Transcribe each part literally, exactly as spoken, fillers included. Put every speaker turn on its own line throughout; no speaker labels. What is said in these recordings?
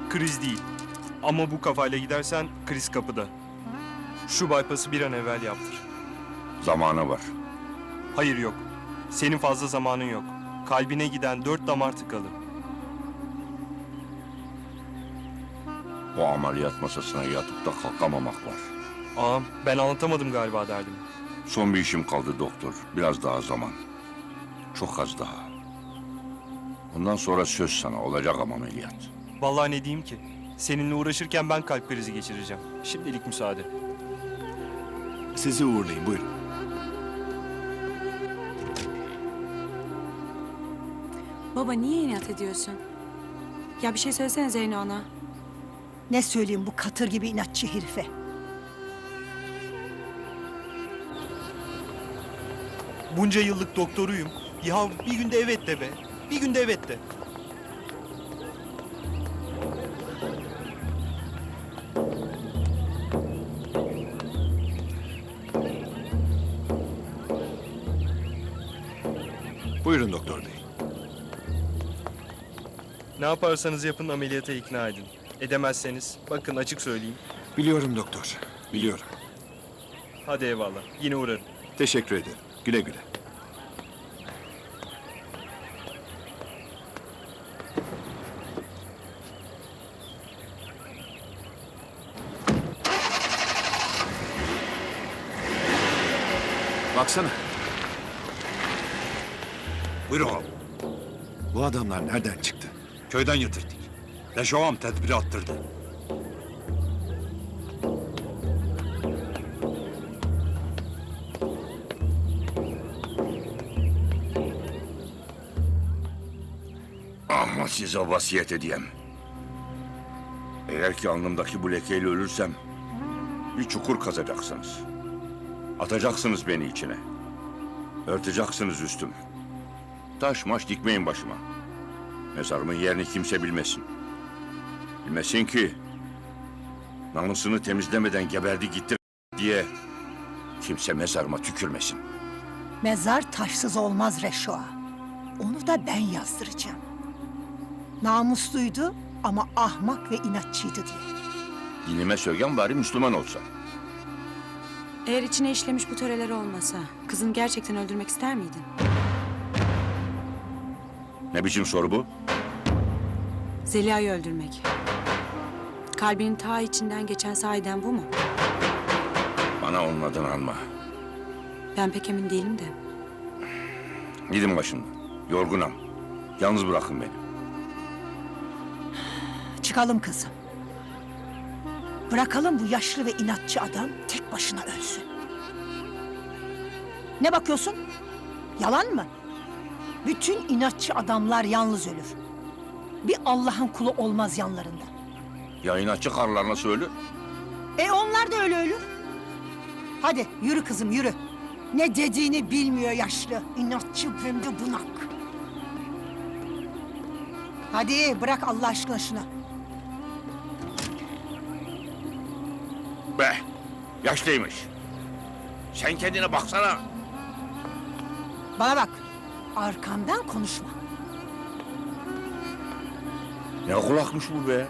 Kriz değil. Ama bu kafayla gidersen kriz kapıda. Şu bypass'ı bir an evvel yaptır.
Zamanı var.
Hayır yok. Senin fazla zamanın yok. Kalbine giden dört damar tıkalı.
O ameliyat masasına yatıp da kalkamamak var.
Ağam ben anlatamadım galiba derdimi.
Son bir işim kaldı doktor. Biraz daha zaman. Çok az daha. Ondan sonra söz sana olacak ama ameliyat.
Vallahi ne diyeyim ki? Seninle uğraşırken ben kalp krizi geçireceğim. Şimdilik müsaade.
Sizi uğurlayın, buyurun.
Baba niye inat ediyorsun? Ya bir şey söylesene Zeyno ana.
Ne söyleyeyim bu katır gibi inatçı herife?
Bunca yıllık doktoruyum. Ya bir günde evet de be. Bir günde evet de.
Buyurun doktor bey.
Ne yaparsanız yapın ameliyata ikna edin. Edemezseniz bakın açık söyleyeyim.
Biliyorum doktor, biliyorum.
Hadi eyvallah. Yine uğrarım.
Teşekkür ederim. Güle güle. Baksana.
Buyurun ağam.
Bu adamlar nereden çıktı?
Köyden getirdik. Reşo ağam tedbiri attırdı.
Ama size vasiyet edeyim. Eğer ki alnımdaki bu lekeyle ölürsem bir çukur kazacaksınız. Atacaksınız beni içine. Örteceksiniz üstümü. Taş maş dikmeyin başıma. Mezarımın yerini kimse bilmesin. Bilmesin ki namusunu temizlemeden geberdi gitti diye kimse mezarıma tükürmesin.
Mezar taşsız olmaz Reşo'a. Onu da ben yazdıracağım. Namusluydu ama ahmak ve inatçıydı diye.
Dinime söyleyen bari Müslüman olsa.
Eğer içine işlemiş bu töreler olmasa kızını gerçekten öldürmek ister miydin?
Ne biçim soru bu?
Zeliha'yı öldürmek. Kalbinin ta içinden geçen sahiden bu mu?
Bana onun adını alma.
Ben pek emin değilim de.
Gidin başımdan. Yorgunum. Yalnız bırakın beni.
Çıkalım kızım. Bırakalım bu yaşlı ve inatçı adam tek başına ölsün. Ne bakıyorsun? Yalan mı? Bütün inatçı adamlar yalnız ölür. Bir Allah'ın kulu olmaz yanlarında.
Ya inatçı karılar nasıl ölür?
E onlar da öyle ölür. Hadi yürü kızım yürü. Ne dediğini bilmiyor yaşlı. İnatçı hem de bunak. Hadi bırak Allah aşkına şunu.
Be, yaşlıymış. Sen kendine baksana.
Bana bak. Arkamdan konuşma.
Ne kulakmış bu be?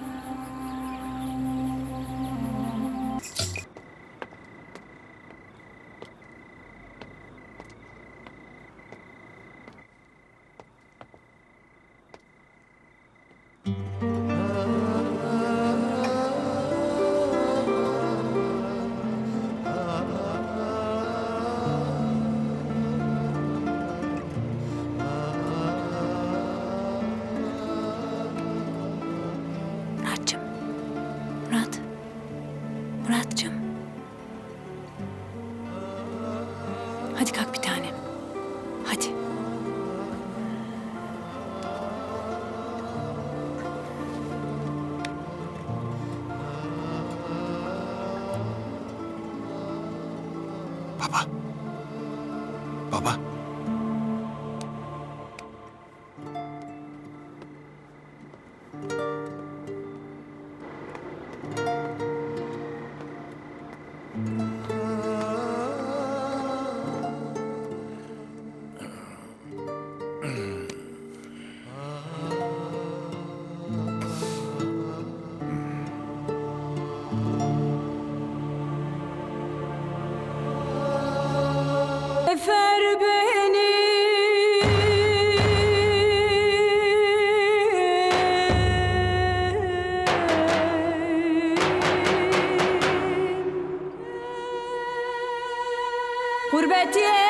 Muratcığım. Murat. Muratcığım. Hadi kalk bir tanem. Hadi.
Baba. Baba.
sefer beni Gurbet